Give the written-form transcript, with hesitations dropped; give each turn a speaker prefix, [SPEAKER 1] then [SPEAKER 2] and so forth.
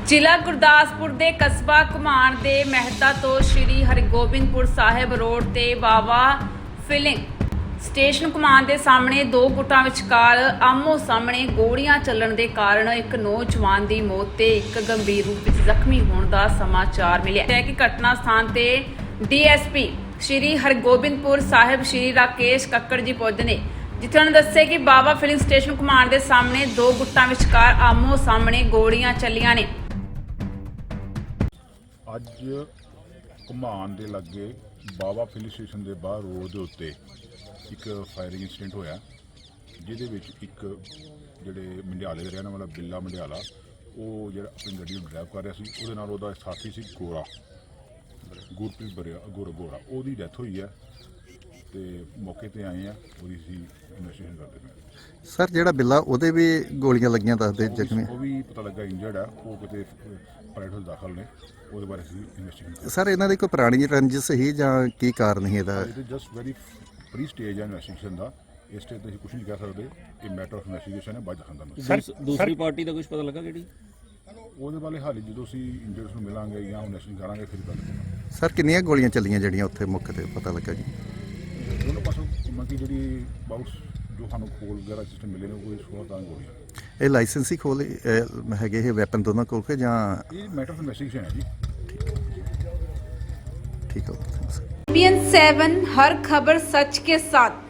[SPEAKER 1] ਜ਼ਿਲ੍ਹਾ ਗੁਰਦਾਸਪੁਰ ਦੇ ਕਸਬਾ ਘੁਮਾਣ ਦੇ ਮਹਿਤਾ ਤੋਂ ਸ਼੍ਰੀ ਹਰਗੋਬਿੰਦਪੁਰ ਸਾਹਿਬ ਰੋਡ ਤੇ ਬਾਵਾ ਫਿਲਿੰਗ ਸਟੇਸ਼ਨ ਘੁਮਾਣ ਦੇ ਸਾਹਮਣੇ ਦੋ ਗੁੱਟਾਂ ਵਿਚਕਾਰ ਆਮੋ ਸਾਹਮਣੇ ਗੋਲੀਆਂ ਚੱਲਣ ਦੇ ਕਾਰਨ ਇੱਕ ਨੌਜਵਾਨ ਦੀ ਮੌਤ ਤੇ ਇੱਕ ਗੰਭੀਰ ਰੂਪ ਵਿੱਚ ਜ਼ਖਮੀ ਹੋਣ ਦਾ ਸਮਾਚਾਰ ਮਿਲਿਆ ਹੈ ਕਿ ਘਟਨਾ ਸਥਾਨ ਤੇ ਡੀਐਸਪੀ ਸ਼੍ਰੀ ਹਰਗੋਬਿੰਦਪੁਰ ਸਾਹਿਬ ਸ਼੍ਰੀ ਰਾਕੇਸ਼ ਕੱਕੜ ਜੀ ਪਹੁੰਚੇ ਨੇ, ਜਿੱਥੇ ਉਹਨਾਂ ਦੱਸਿਆ ਕਿ ਬਾਵਾ ਫਿਲਿੰਗ ਸਟੇਸ਼ਨ ਘੁਮਾਣ ਦੇ ਸਾਹਮਣੇ ਦੋ ਗੁੱਟਾਂ ਵਿਚਕਾਰ ਆਮੋ ਸਾਹਮਣੇ ਗੋਲੀਆਂ ਚੱਲੀਆਂ ਨੇ।
[SPEAKER 2] ਅੱਜ ਘੁਮਾਣ ਦੇ ਲਾਗੇ ਬਾਵਾ ਫਿਲਿੰਗ ਸਟੇਸ਼ਨ ਦੇ ਬਾਹਰ ਰੋਡ ਦੇ ਉੱਤੇ ਇੱਕ ਫਾਇਰਿੰਗ ਇਨਸੀਡੈਂਟ ਹੋਇਆ, ਜਿਹਦੇ ਵਿੱਚ ਇੱਕ ਜਿਹੜੇ ਮੰਡਿਆਲੇ ਦਾ ਰਹਿਣ ਵਾਲਾ ਬਿੱਲਾ ਮੰਡਿਆਲਾ, ਉਹ ਜਿਹੜਾ ਆਪਣੀ ਗੱਡੀ ਨੂੰ ਡਰਾਈਵ ਕਰ ਰਿਹਾ ਸੀ, ਉਹਦੇ ਨਾਲ ਉਹਦਾ ਸਾਥੀ ਸੀ ਗੋਰਾ ਗੁਰਪ੍ਰੀਤ ਗੋਰਾ, ਉਹਦੀ ਡੈਥ ਹੋਈ ਹੈ ਤੇ ਮੌਕੇ ਤੇ ਆਏ ਆ, ਉਹਦੀ ਸੀ ਇਨਵੈਸਟੀਗੇਸ਼ਨ ਕਰਦੇ ਪਏ।
[SPEAKER 3] ਸਰ ਜਿਹੜਾ ਬਿੱਲਾ ਉਹਦੇ ਵੀ ਗੋਲੀਆਂ ਲੱਗੀਆਂ ਦੱਸਦੇ ਜ਼ਖਮੀ,
[SPEAKER 2] ਉਹ ਵੀ ਪਤਾ ਲੱਗਾ ਇੰਜਰਡ ਆ, ਉਹ ਕਿਤੇ ਪ੍ਰਾਈਵੇਟ ਦਾਖਲ ਨੇ, ਉਹਦੇ ਬਾਰੇ ਅਸੀਂ ਇਨਵੈਸਟੀਗੇਸ਼ਨ।
[SPEAKER 3] ਸਰ ਇਹਨਾਂ ਦੀ ਕੋਈ ਪੁਰਾਣੀ ਰੰਜਿਸ਼ ਸੀ ਜਾਂ ਕੀ ਕਾਰਨ ਸੀ ਇਹਦਾ?
[SPEAKER 2] ਜਸਟ ਵੈਰੀ ਪ੍ਰੀ ਸਟੇਜ ਹੈ ਇਨਵੈਸਟੀਗੇਸ਼ਨ ਦਾ, ਇਸ ਸਟੇਜ ਤੇ ਅਸੀਂ ਕੁਝ ਨਹੀਂ ਕਹਿ ਸਕਦੇ, ਇਹ ਮੈਟਰ ਆਫ ਇਨਵੈਸਟੀਗੇਸ਼ਨ ਹੈ, ਬਾਅਦ ਦੱਸਾਂਗਾ ਮੈਂ।
[SPEAKER 4] ਸਰ ਦੂਸਰੀ ਪਾਰਟੀ ਦਾ ਕੁਝ ਪਤਾ ਲੱਗਾ ਕਿਹੜੀ?
[SPEAKER 2] ਉਹਦੇ ਬਾਰੇ ਹਾਲੇ ਜਦੋਂ ਅਸੀਂ ਇੰਜਰਡਸ ਨੂੰ ਮਿਲਾਂਗੇ ਜਾਂ ਇਨਵੈਸਟੀਗੇਸ਼ਨ ਕਰਾਂਗੇ ਫਿਰ ਗੱਲ ਕਰਾਂਗੇ।
[SPEAKER 3] ਸਰ ਕਿੰਨੀਆਂ ਗੋਲੀਆਂ ਚੱਲੀਆਂ ਜਿਹੜੀਆਂ ਉੱਥੇ ਮੌਕੇ ਤੇ ਪਤਾ ਲੱਗਾ ਜੀ?
[SPEAKER 2] ਦੋਨੋਂ ਪਾਸੋਂ ਮਤਲਬ ਜਿਹੜੀ ਬਾਊਸ ਜੋ ਸਾਨੂੰ ਖੋਲ ਵਗੈਰਾ ਸਿਸਟਮ ਮਿਲੇ ਨੇ, ਉਹ 16 ਗੋਲੀਆਂ।
[SPEAKER 3] ਇਹ ਲਾਇਸੈਂਸੀ ਖੋਲ ਹੈਗੇ ਇਹ ਵੈਪਨ ਦੋਨਾਂ ਕੋਲ ਕੇ ਜਾਂ?
[SPEAKER 2] ਇਹ ਮੈਟਰ ਆਫ ਇਨਵੈਸਟੀਗੇਸ਼ਨ ਹੈ ਜੀ।
[SPEAKER 3] ठीक है।
[SPEAKER 1] BN7 हर खबर सच के साथ।